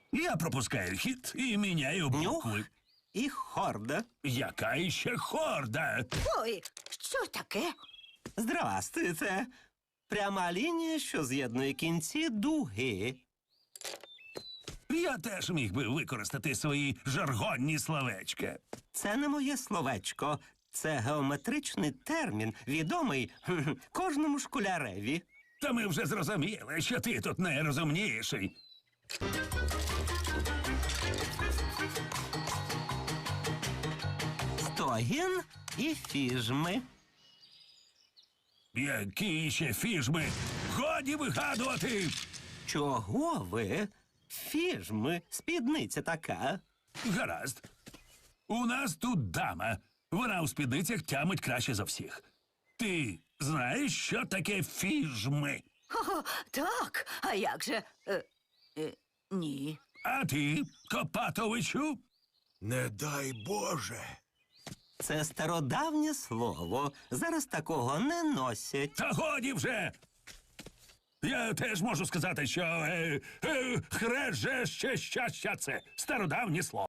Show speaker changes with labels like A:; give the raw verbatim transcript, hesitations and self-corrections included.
A: Я пропускаю хід і міняю
B: Нюх
A: букви.
B: і хорда.
A: Яка іще хорда?
C: Ой, що таке?
B: Здрастуйте. Пряма лінія, що з'єднує кінці дуги.
A: Я теж міг би використати свої жаргонні словечка.
B: Це не моє словечко. Це геометричний термін, відомий хм, кожному школяреві.
A: Та ми вже зрозуміли, що ти тут найрозумніший.
B: Стогін і фіжми.
A: Які ще фіжми? Годі вигадувати!
B: Чого ви? Фіжми, спідниця така.
A: Гаразд. У нас тут дама. Вона у спідницях тямить краще за всіх. Ти знаєш, що таке фіжми?
C: О, так, а як же? Е, е, ні.
A: А ти, Копатовичу?
D: Не дай Боже.
B: Це стародавнє слово. Зараз такого не носять.
A: Та годі вже! Я теж можу сказати, що е, е, хреже ще щастя це стародавнє слово.